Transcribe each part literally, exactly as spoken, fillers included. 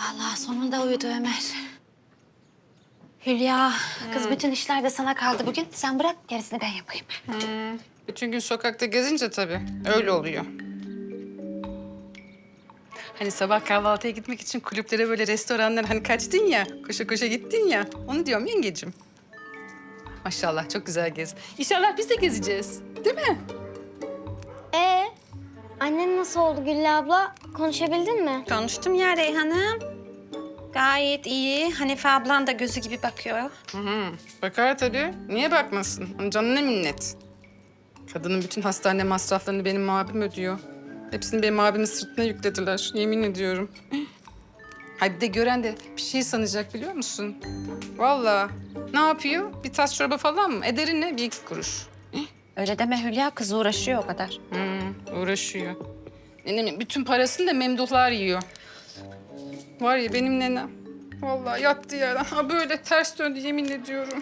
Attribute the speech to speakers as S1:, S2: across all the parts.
S1: Vallahi sonunda uyudu Ömer. Hülya, kız bütün işler de sana kaldı bugün. Sen bırak, gerisini ben yapayım.
S2: Hmm. Bütün gün sokakta gezince tabii öyle oluyor. Hani sabah kahvaltıya gitmek için kulüplere böyle restoranlar hani kaçtın ya, koşa koşa gittin ya. Onu diyorum yengecim. Maşallah çok güzel gezdin. İnşallah biz de gezeceğiz. Değil mi?
S3: Ee, annen nasıl oldu Güllü abla? Konuşabildin mi?
S4: Konuştum ya Reyhan'ım. Gayet iyi. Hanife ablan da gözü gibi bakıyor.
S2: Hı hı. Bakar tabii. Niye bakmasın? Onun canına minnet. Kadının bütün hastane masraflarını benim abim ödüyor. Hepsini benim abimin sırtına yüklediler. Yemin ediyorum. Hay bir de gören de bir şey sanacak biliyor musun? Vallahi. Ne yapıyor? Bir tas çorba falan mı? Ederi ne? Bir iki kuruş.
S1: Öyle deme Hülya, kız uğraşıyor o kadar.
S2: Hmm, uğraşıyor. Nenemin bütün parasını da memduhlar yiyor. Var ya benim nenem. Vallahi yattı yerden. Ha böyle ters döndü yemin ediyorum.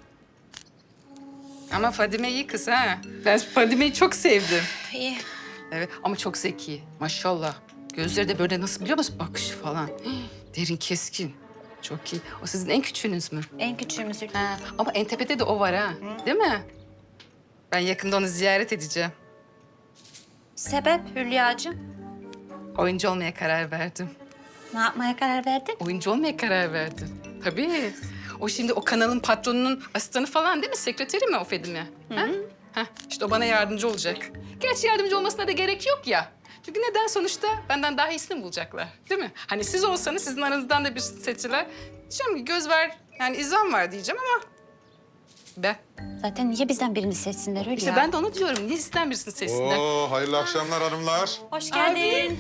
S2: Ama Fadime iyi kız ha. Ben Fadime'yi çok sevdim.
S4: İyi.
S2: Evet ama çok zeki. Maşallah. Gözleri de böyle nasıl biliyor musun? Bakışı falan. Derin, keskin. Çok iyi. O sizin en küçüğünüz mü?
S4: En küçüğümüz Hülya.
S2: Ha, ama en tepede de o var ha. Değil mi? Ben yakında onu ziyaret edeceğim.
S4: Sebep Hülya'cığım?
S2: Oyuncu olmaya karar verdim.
S4: Ne yapmaya karar verdin?
S2: Oyuncu olmaya karar verdim. Tabii. O şimdi o kanalın patronunun asistanı falan değil mi? Sekreteri mi o Fadime? Ha? Ha, işte o bana yardımcı olacak. Gerçi yardımcı olmasına da gerek yok ya. Çünkü neden sonuçta benden daha iyisini bulacaklar. Değil mi? Hani siz olsanız sizin aranızdan da bir seçiler. Diyeceğim ki göz ver, yani izan var diyeceğim ama ben.
S1: Zaten niye bizden birini seçsinler Hülya?
S2: İşte ben de onu diyorum. Niye sizden birisini seçsinler?
S5: Oo, hayırlı akşamlar hanımlar.
S4: Hoş geldin.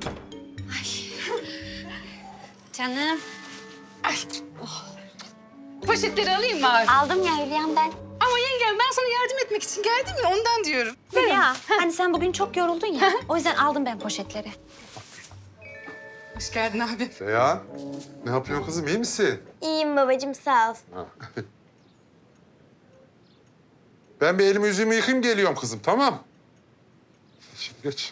S1: Canım.
S2: Ay. Poşetleri alayım mı abi?
S3: Aldım ya Hülya'm ben.
S2: Ama yengem ben sana yardım etmek için geldim ya ondan diyorum.
S4: Hülya, hani sen bugün çok yoruldun ya. O yüzden aldım ben poşetleri.
S2: Hoş geldin abi.
S5: Seyhan, ne yapıyorsun kızım, iyi misin?
S3: İyiyim babacığım sağ ol.
S5: Ben bir elimi yüzümü yıkayayım geliyorum kızım, tamam? Şimdi geç.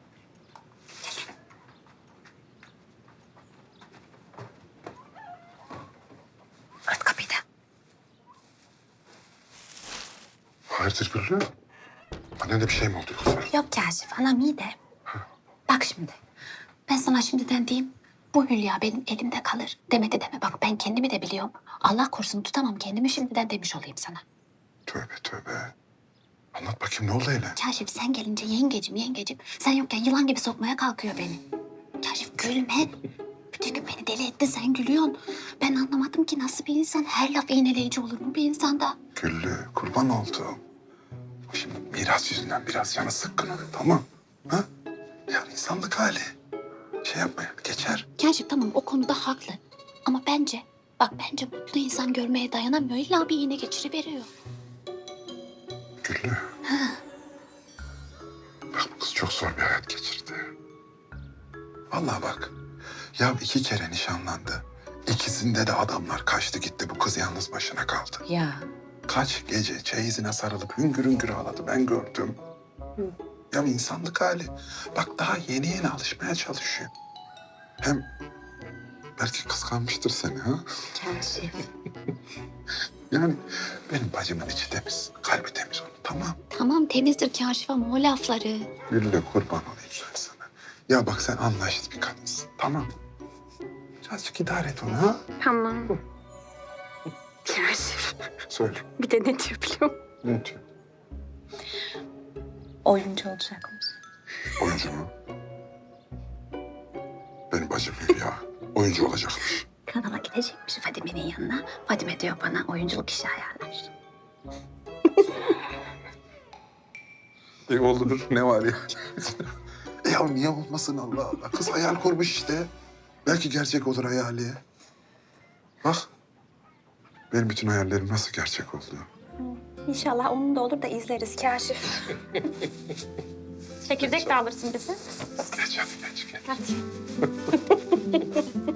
S1: Ört kapıyı da.
S5: Hayırdır Güllü? Annene bir şey mi oldu yoksa?
S1: Yok Kaşif, anam iyi de. Bak şimdi, ben sana şimdiden diyeyim. Bu Hülya benim elimde kalır. Deme de deme, bak ben kendimi de biliyorum. Allah korusun tutamam kendimi, şimdiden demiş olayım sana.
S5: Tövbe tövbe. Anlat bakayım ne oldu öyle?
S1: Kaşif sen gelince yengecim yengecim. Sen yokken yılan gibi sokmaya kalkıyor beni. Kaşif gülme. Bütün gün beni deli etti, sen gülüyorsun. Ben anlamadım ki nasıl bir insan her laf iğneleyici olur mu bir insanda?
S5: Güllü, kurban oldum. Şimdi miras yüzünden biraz canı sıkkın onun, tamam? Ha? Ya insanlık hali. Şey yapma ya, geçer.
S1: Kaşif tamam o konuda haklı. Ama bence, bak bence mutlu insan görmeye dayanamıyor. İlla bir iğne geçiriveriyor.
S5: Güllü. Bak bu kız çok zor bir hayat geçirdi. Vallahi bak. Ya iki kere nişanlandı. İkisinde de adamlar kaçtı gitti. Bu kız yalnız başına kaldı.
S1: Ya.
S5: Kaç gece çeyizine sarılıp hüngür hüngür ağladı. Ben gördüm. Ya insanlık hali. Bak daha yeni yeni alışmaya çalışıyor. Hem belki kıskanmıştır seni ha.
S1: Kaşif.
S5: Yani benim bacımın içi temiz. Kalbi temiz onun, tamam.
S1: Tamam temizdir Kaşif ama o lafları.
S5: Gülle kurban olayım ben sana. Ya bak sen anlayışlı bir kadınsın. Tamam. Birazcık idare et onu ha.
S4: Tamam.
S5: Söyle.
S4: Bir de ne diyor biliyor musun?
S5: Ne diyor?
S4: Oyuncu olacakmış.
S5: Oyuncu mu? Benim bacım Hülya. Oyuncu olacakmış.
S1: Kanala gidecekmiş Fadime'nin yanına. Fadime diyor bana oyunculuk işi ayarlar.
S5: E olur. Ne var ya? e ya niye olmasın Allah Allah? Kız hayal kurmuş işte. Belki gerçek olur hayali. Bak. Benim bütün hayallerim nasıl gerçek oldu.
S4: İnşallah onun da olur da izleriz Kaşif. Çekirdek de alırsın bizi.
S5: Geç hadi geç geç.
S4: Hadi.